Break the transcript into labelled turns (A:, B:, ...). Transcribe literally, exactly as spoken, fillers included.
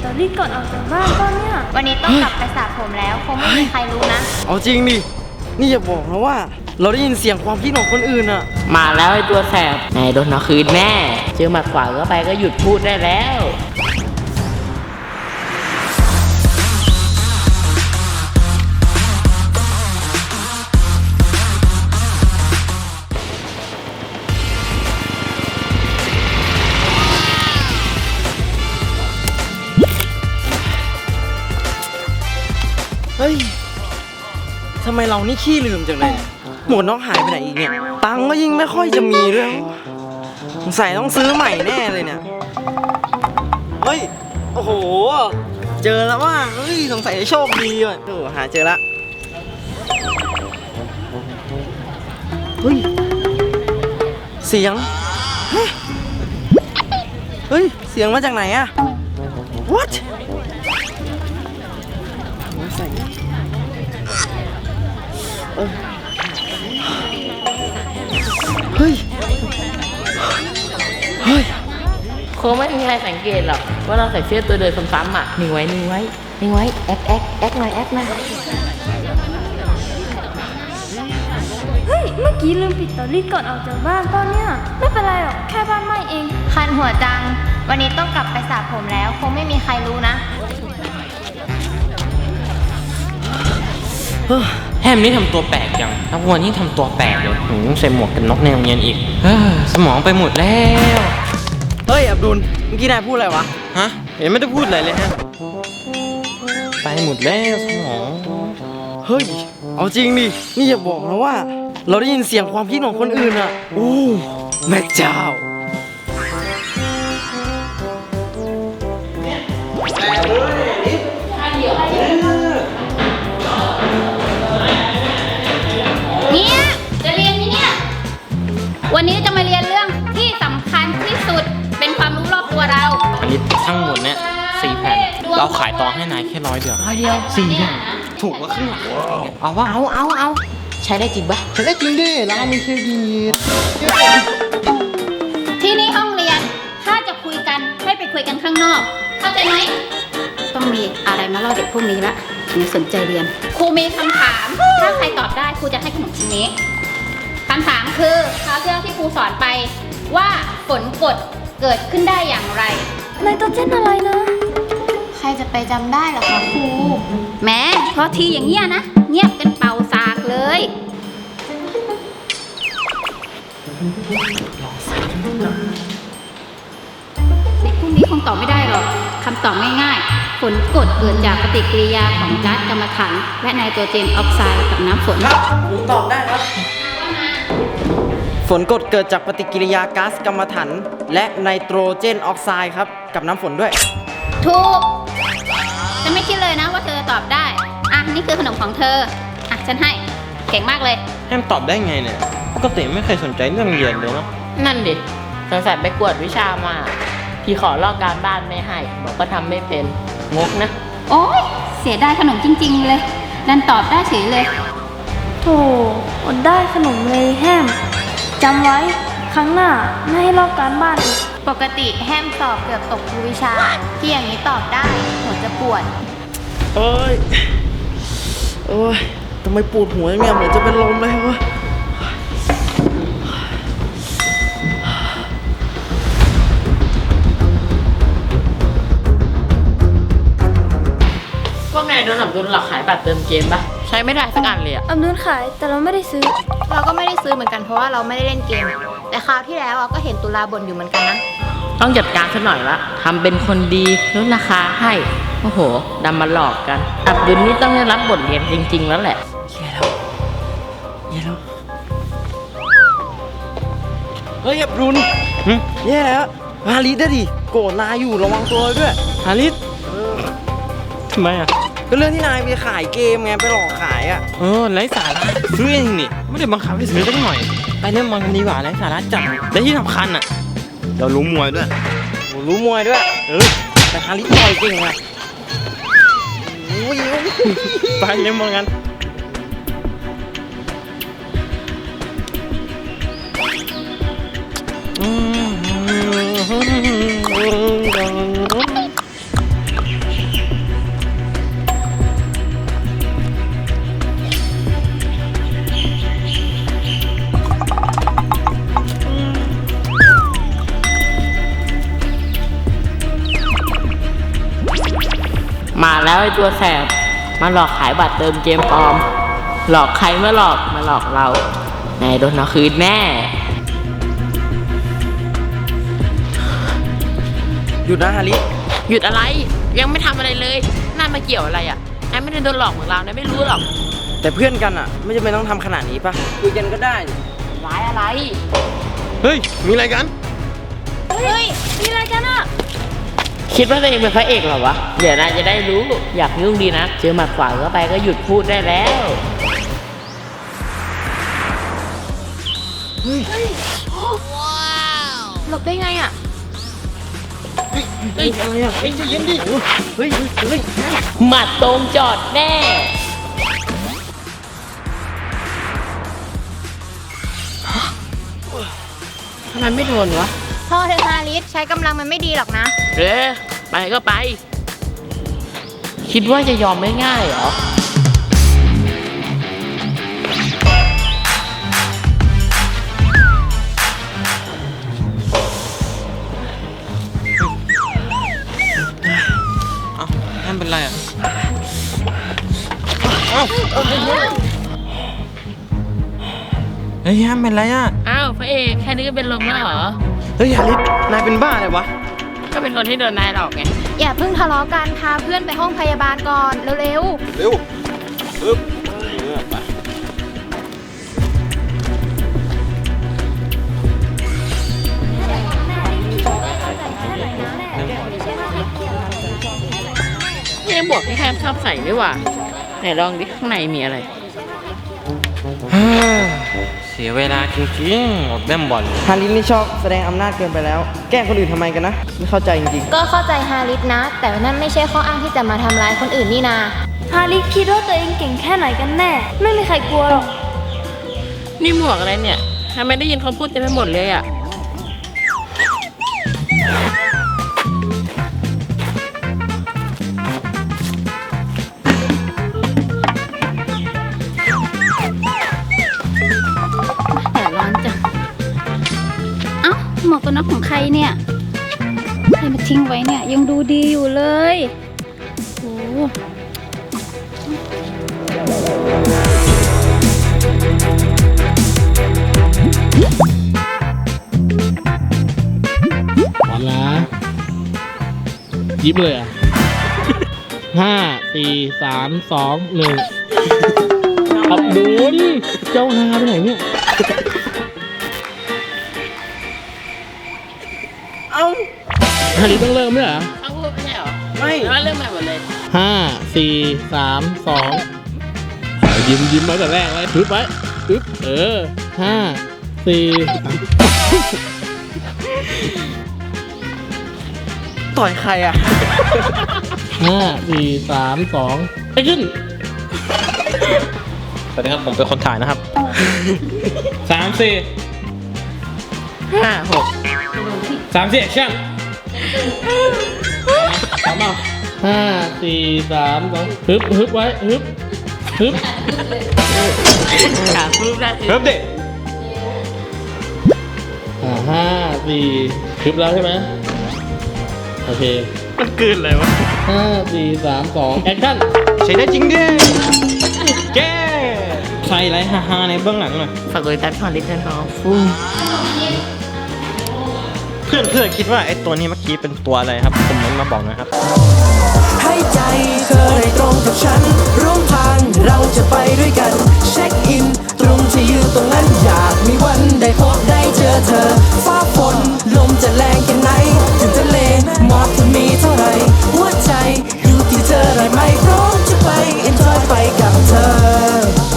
A: อรี่ก่อนออกจากบ้านป่ะเนี่ย
B: วันนี้ต้องกลับไปสระผมแล้วคงไม่มีใครรู้นะ
C: เอาจริงดินี่อย่าบอกนะว่าเราได้ยินเสียงความคิดของคนอื่นอะ
D: มาแล้วไอ้ตัวแสบไหนโดนเอาคืนแน่เจอหมัดขวาเข้าไปก็หยุดพูดได้แล้ว
C: เฮ้ยทำไมเรานี่ขี้ลืมจังเลยหมวกน้องหายไปไหนอีกเนี่ยตังค์ก็ยิ่งไม่ค่อยจะมีด้วยสงสัยต้องซื้อใหม่แน่เลยเนี่ยเฮ้ยโอ้โหเจอแล้วว่าเฮ้ยสงสัยจะโชคดีว่ะโอ้หาเจอละเฮ้ยเสียงเฮ้ยเสียงมาจากไหนอะ whatเฮ้ย เฮ้ย
D: คงไม่มีใครสังเกตหรอกว่าเราใส่เสื้อตัวเดิมซ้ำๆอ่ะนิ่งไว้นิ่งไว้นิ่งไว้แอ๊กแอ๊กแอ๊กหน่อยแอ๊กหน่อย
A: เฮ้ยเมื่อกี้ลืมปิดสตอรี่ก่อนออกจากบ้านป่ะเนี่ยไม่เป็นไรหรอกแค่บ้านไหม้เอง
B: คันหัวจังวันนี้ต้องกลับไปสระผมแล้วคงไม่มีใครรู้นะ
E: แฮมนี่ทำตัวแปลกจังนักวันนี่ทำตัวแปลกเลยหืใส่หมวกกันน็อกในโรงเรียนอีกสมองไปหมดแล้ว
C: เฮ้ยอับดุลเมื่อกี้นายพูดอะไรวะ
E: ฮะเห็นไม่ได้พูดอะไรเลยฮะไปหมดแล้วสมอง
C: เฮ้ยเอาจริงดินี่อย่าบอกนะว่าเราได้ยินเสียงความคิดของคนอื่นอ่ะโอ้แม่เจ้า
B: เนี่ยจะเรียนไหมเนี่ยวันนี้จะมาเรียนเรื่องที่สำคัญที่สุดเป็นความรู้รอบตัวเรา
E: อันนี้ทั้งหมดเนี่ยสี่แผ่นเราขายต่อให้นายแค่ร้อยเดียว
D: ร้อยเดียว
E: สี่แผ่นถูกกว่าครึ่งหลังเอาว่า
D: เอาเอาเอาใช้ได้จริงปะ
E: ใช้ได้จริงดิร้านมีเครดิต
B: ที่นี่ห้องเรียนถ้าจะคุยกันให้ไปคุยกันข้างนอกเข้าใจไหมต้องมีอะไรมาเล่าเด็กพวกนี้ละถึงสนใจเรียนครูมีคำถามถ้าใครตอบได้ครูจะให้ขนมชิ้นนี้คำถามคือคราวที่แล้วที่ครูสอนไปว่าฝนกรดเกิดขึ้นได้อย่างไร
A: ไนโตรเจนอะไรนะ
B: ใครจะไปจำได้หรอคะครูแม้พอทีอย่างเงี้ยนะเงียบกันเป่าสากเลยเด็กพวกนี้คงตอบไม่ได้หรอกคำตอบง่ายๆฝนกรดเกิดจากปฏิกิริยาของก๊าซกัมมันถันและไนโตรเจนออกไซด์กับน้ำฝน
C: ครับผมตอบได้ครับฝนกรดเกิดจากปฏิกิริยาก๊าซกัมมันถันและไนโตรเจนออกไซด์ครับกับน้ำฝนด้วย
B: ถูกจะไม่คิดเลยนะว่าเธอจะตอบได้อ่ะนี่คือขนมของเธออ่ะฉันให้เก่งมากเลย
E: แฮมตอบได้ไงเนี่ยปกติไม่เคยสนใจเรื่องเรียนเลยเนาะ
D: นั่นดิสงสัยไปกวดวิชามาพี่ขอลอกการบ้านไม่ให้บอกก็ทำไม่เป็นงกนะ
B: โอ๊ยเสียดายขนมจริงๆเลยดันตอบได้เฉยเลย
A: โธ่อดได้ขนมเลยแฮมจำไว้ครั้งหน้าไม่ให้ลอกการบ้านอีก
B: ปกติแฮมสอบเกือบตกทุกวิชาที่อย่างนี้ตอบได้หัวจะปวด
C: เอ้ยเอ้ยทำไมปวดหัวอย่างเงี้ยเหมือนจะเป็นลมเลยวะ
D: พวกนายโดนอับดุลหลอกขายบัตรเติมเกมปะใช้ไม่ได้สักอันเลยอะ
A: อับดุลขายแต่เราไม่ได้ซื้อ
B: เราก็ไม่ได้ซื้อเหมือนกันเพราะว่าเราไม่ได้เล่นเกมแต่คราวที่แล้วก็เห็นตุลาบ่นอยู่เหมือนกันนะ
D: ต้องจัดการซะหน่อยละทำเป็นคนดีลดราคาให้โอ้โหดำมาหลอกกันอับดุลนี่ต้องได้รับบทเรียนจริงๆแล้วแหละ
C: แย่แล้วแย่แล้วเฮ้ยอับดุลแย่แล้วฮาริสได้ดิโกรธนายอยู่ระวังตัวด้วย
E: ฮาริสทำไมอ่ะ
C: ก็เรื่องที่นายไปขายเกมไงไปหลอกขายอ่ะ
E: เออไร้สาระซื้อเองนี่ไม่ได้บังคับให้ซื้อสักหน่อยไปเล่นบอลกันดีกว่าไร้สาระจังและที่สำคัญอ่ะเรารู้มวยด้วย
C: รู้มวยด้วย
E: เออ
C: แต่ฮาริสต่อยเก่งไง
E: ไปเล่นบอลกัน
D: มาแล้วไอ้ตัวแสบ มาหลอกขายบัตรเติมเกมปลอม หลอกใครเมื่อหลอกมาหลอกเรานายโดนเอาคืนแน่
C: หยุดนะฮาริ
D: หยุดอะไร ยังไม่ทำอะไรเลยน่ามาเกี่ยวอะไรอ่ะนายไม่ได้โดนหลอกเหมือนเรานายไม่รู้หรอก
C: แต่เพื่อนกันอ่ะ ไม่จำเป็นต้องทำขนาดนี้ปะคุยกันก็ได้นี่
D: ร้ายอะไร
E: เฮ้ย มีอะไรกัน
A: เฮ้ย มีอะไรกันอ่ะ
D: คิดว่าตัวเองเป็นพระเอกเหรอวะ เดี๋ยวนายจะได้รู้ อยากยุ่งดีนะ เจอหมัดขวาเข้าไปก็หยุดพูดได้แล้วหลบได้ไงอ่ะ
C: เฮ้ยอะไรอ่ะเฮ้ยใจเย็นดิเฮ้ยเฮ้ย
D: หมัดตรงจอดแน่ ทำไมไม่โดนวะ
B: พ่อเธอฮาริสใช้กำลังมันไม่ดีหรอกนะ
D: เออไปก็ไป คิดว่าจะยอมไม่ง่ายเหรอ
E: เอ้านั่นเป็นไรอ่ะ เอ้าเฮ้ยฮัมเป็นไรอ่ะ
D: อ้าวพระเอกแค่นี้ก็เป็นลมแล้วเหรอ
C: เฮ้ยฮาริสนายเป็นบ้าเลยวะ
D: ก็เป็นคนที่โดนนายหลอกไง
B: อย่าเพิ่งทะเลาะกันพาเพื่อนไปห้องพยาบาลก่อนเร็ว
E: เร็วปึ๊บเออไป
D: นี่บวกที่แคมชอบใส่ด้วยว่ะไหนลองดิข้างในมีอะไร
E: ฮ่าเสียเวลาจริงๆอดแม่มบอล
C: ฮาริสนี่ชอบแสดงอำนาจเกินไปแล้ว แกล้งคนอื่นทำไมกันนะ ไม่เข้าใจจริง
B: ๆ ก็เข้าใจฮาริสนะ แต่นั่นไม่ใช่ข้ออ้างที่จะมาทำร้ายคนอื่นนี่นา
A: ฮาริสคิดว่าตัวเองเก่งแค่ไหนกันแน่ ไม่มีใครกลัวหรอก
D: นี่หมวกอะไรเนี่ยทำไมได้ยินเขาพูดเต็มไปหมดเลยอ่ะ
B: แต่ร้อนจัง เอ้าหมวกกันน็อกของใครเนี่ยใครมาทิ้งไว้เนี่ยยังดูดีอยู่เลยโอ้
F: พร้อมนะยิบเลยอ่ะ ห้าสี่สามสองหนึ่งอับดุลเจ้าฮาไปไหนเนี่ย
C: ๆ เอ้า
F: ฮาริต้องเริ่มไหมเหรอ
D: เขาพูดไม่ใช่เหรอ
C: ไม่
D: แล้วเรื่องใหม่หมดเลย
F: ห้าสี่สามสองยิ้มยิ้มไว้แต่แรกเลยทึบไว้ทึบเออห้าสี่สาม
C: ต่อยใครอ่ะ
F: ห้าสี่สามสองไปขึ้น
E: สวัสดีครับผมเป็นคนถ่ายนะครับ
F: สามสี่
D: ห้าหก
F: สามสี่แอคชั่นพร้อมเปล่าห้าสี่สามสองฮึบฮึบไว้ฮึบฮึบ
D: ถามรูปได้คือ
E: เริ่มเด็ก
F: อ่าห้าสี่ฮึบแล้วใช่ไหมโอเค
E: มันกลืนเลยวะ
F: ห้าสี่สามสองแอคชั่น
E: ใช้ได้จริงดิแกใส่ไรฮาๆในเบื้องหลังหน่อย
D: ฝากกดติดตามช่องลิทเทิลฮอลฟุ้ง
E: เพื่อนเพื่อนๆคิดว่าไอ้ตัวนี้เมื่อกี้เป็นตัวอะไรครับคอมเมนต์มาบอกหนะครับ
G: ให้ใจเธอ